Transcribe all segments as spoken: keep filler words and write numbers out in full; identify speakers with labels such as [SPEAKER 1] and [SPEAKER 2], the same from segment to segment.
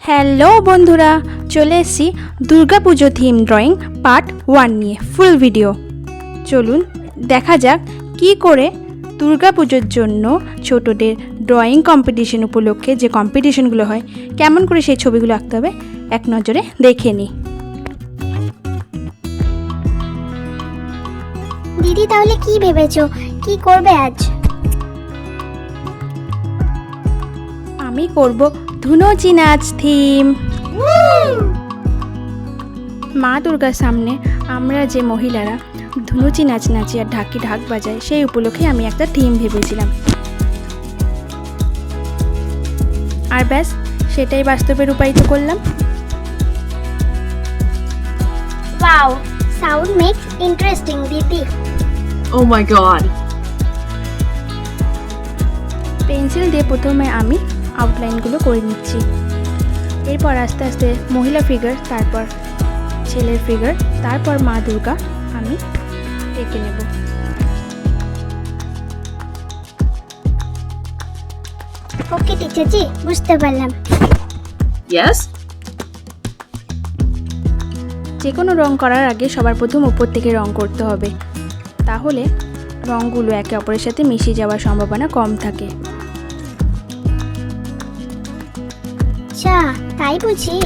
[SPEAKER 1] Hello বন্ধুরা, চলে এসেছি Durgapuja theme drawing part one নিয়ে ফুল ভিডিও। চলুন দেখা যাক কি করে দুর্গাপুজোর জন্য ছোটদের ড্রয়িং কম্পিটিশন উপলক্ষে যে কম্পিটিশনগুলো হয় কেমন করে সেই ছবিগুলো আঁকতে হবে এক নজরে দেখে নিই।
[SPEAKER 2] দিদি, তাহলে কি ভেবেছো, কি করবে আজ?
[SPEAKER 1] আমি করব ধুনুচি নাচ থিম। মা দুর্গার সামনে আমরা যে মহিলারা ধুনুচি নাচ নাচি আর ঢাকি ঢাক বাজায় সেই উপলক্ষে আমি একটা থিম ভেবেছিলাম, আর ব্যাস সেটাই বাস্তবে রূপায়িত করলাম।
[SPEAKER 2] ওয়াও, সাউন্ড মেক্স ইন্টারেস্টিং দিদি।
[SPEAKER 3] Oh my god.
[SPEAKER 1] পেন্সিল দিয়ে প্রথমে আমি আউটলাইনগুলো করে নিচ্ছি, এরপর আস্তে আস্তে মহিলা ফিগার, তারপর ছেলের ফিগার, তারপর মা দুর্গা আমি এঁকে নেব।
[SPEAKER 2] ওকে টিচার জি, বুঝতে পারলাম।
[SPEAKER 3] Yes?
[SPEAKER 1] যে কোনো রং করার আগে সবার প্রথম উপর থেকে রং করতে হবে, তাহলে রঙগুলো একে অপরের সাথে মিশে যাওয়ার সম্ভাবনা কম থাকে।
[SPEAKER 2] আচ্ছা, তাই বুঝি।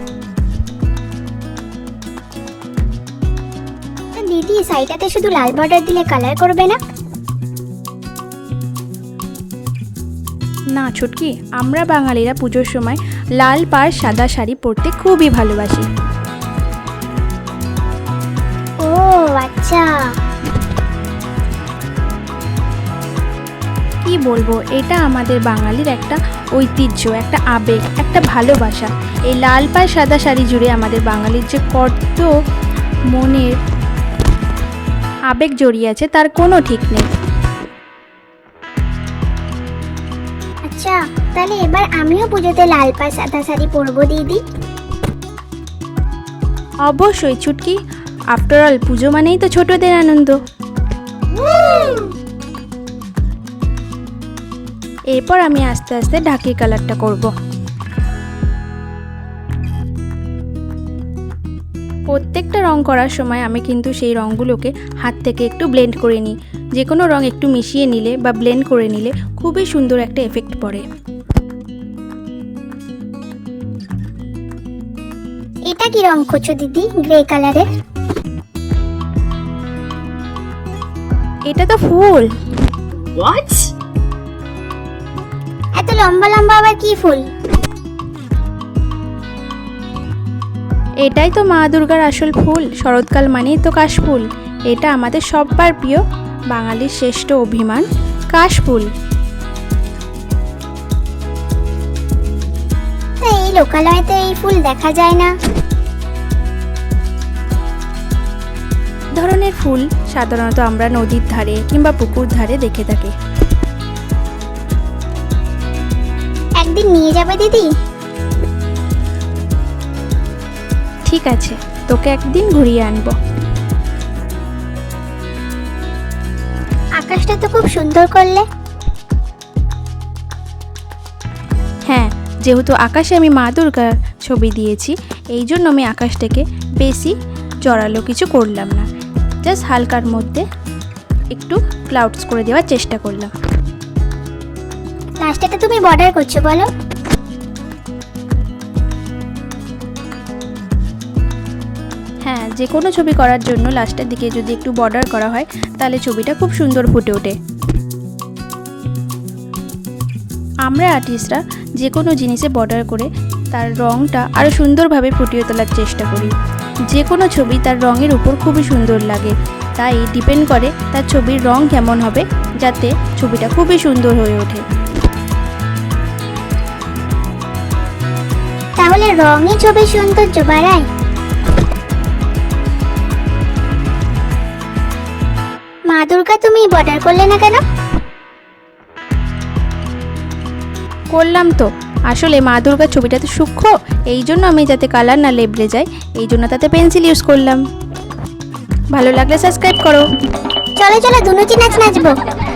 [SPEAKER 2] দিদি, সাইডটাতে শুধু লাল বর্ডার দিলে কালার করবে না?
[SPEAKER 1] না ছুটকি, আমরা বাঙালিরা পুজোর সময় লাল পাড় সাদা শাড়ি পরতে খুবই ভালোবাসি।
[SPEAKER 2] ও আচ্ছা,
[SPEAKER 1] কি বলবো, এটা আমাদের বাঙালির একটা ঐতিহ্য, একটা আবেগ, একটা ভালোবাসা। এই লাল পাড় সাদা শাড়ি জুড়ে আমাদের বাঙালির যে কত মনের আবেগ জড়িয়ে আছে তার কোনো ঠিক নেই।
[SPEAKER 2] আচ্ছা তাহলে এবার আমিও পুজোতে লাল পাড় সাদা শাড়ি পরবো দিদি।
[SPEAKER 1] অবশ্যই ছুটকি, আফটার অল পুজো মানেই তো ছোটদের আনন্দ। এরপর আমি আস্তে আস্তে ঢাকির কালারটা করব। প্রত্যেকটা রং করার সময় আমি কিন্তু সেই রঙগুলোকে হাত থেকে একটু ব্লেন্ড করে নিই। যে কোনো রং একটু মিশিয়ে নিলে বা ব্লেন্ড করে নিলে খুবই সুন্দর একটা এফেক্ট পড়ে।
[SPEAKER 2] এটা কি রং করছো দিদি, গ্রে কালারের?
[SPEAKER 1] এটা তো ফুল।
[SPEAKER 3] What?
[SPEAKER 2] এত লম্বা লম্বা আবার কি ফুল?
[SPEAKER 1] এটাই তো মা দুর্গার আসল ফুল, শরৎকাল মানেই তো কাশফুল। এটা আমাদের সবার প্রিয় বাঙালির শ্রেষ্ঠ অভিমান, কাশফুল।
[SPEAKER 2] এই লোকালয়তে এই ফুল দেখা যায় না।
[SPEAKER 1] ধরনের ফুল সাধারণত আমরা নদীর ধারে কিংবা পুকুর ধারে দেখে থাকি।
[SPEAKER 2] একদিন নিয়ে যাবে দিদি?
[SPEAKER 1] ঠিক আছে, তোকে একদিন ঘুরিয়ে আনবো।
[SPEAKER 2] আকাশটা তো খুব সুন্দর করলে।
[SPEAKER 1] হ্যাঁ, যেহেতু আকাশে আমি মা দুর্গার ছবি দিয়েছি, এই জন্য আমি আকাশটাকে বেশি জড়ালো কিছু করলাম না, জাস্ট হালকার মধ্যে একটু ক্লাউডস করে দেওয়ার চেষ্টা করলাম।
[SPEAKER 2] লাস্টেতে তুমি বর্ডার করছো বলো?
[SPEAKER 1] হ্যাঁ, যে কোনো ছবি করার জন্য লাস্টের দিকে যদি একটু বর্ডার করা হয় তাহলে ছবিটা খুব সুন্দর ফুটে ওঠে। আমরা আর্টিস্টরা যে কোনো জিনিসে বর্ডার করে তার রঙটা আরও সুন্দরভাবে ফুটিয়ে তোলার চেষ্টা করি। যে কোনো ছবি তার রঙের উপর খুবই সুন্দর লাগে, তাই ডিপেন্ড করে তার ছবির রং কেমন হবে, যাতে ছবিটা খুবই সুন্দর হয়ে ওঠে।
[SPEAKER 2] তাহলে রঙই ছবির সৌন্দর্য বাড়ায়। মা দুর্গা, তুমি বর্ডার করলে না কেন?
[SPEAKER 1] করলাম তো, আসলে মা দুর্গার ছবিটা তো সূক্ষ্ম, এই জন্য আমি যাতে কালার না লেবড়ে যায় এই জন্য তাতে পেন্সিল ইউজ করলাম। ভালো লাগলে সাবস্ক্রাইব করো।
[SPEAKER 2] চলো চলো, ধুনুচি নাচ নাচবো।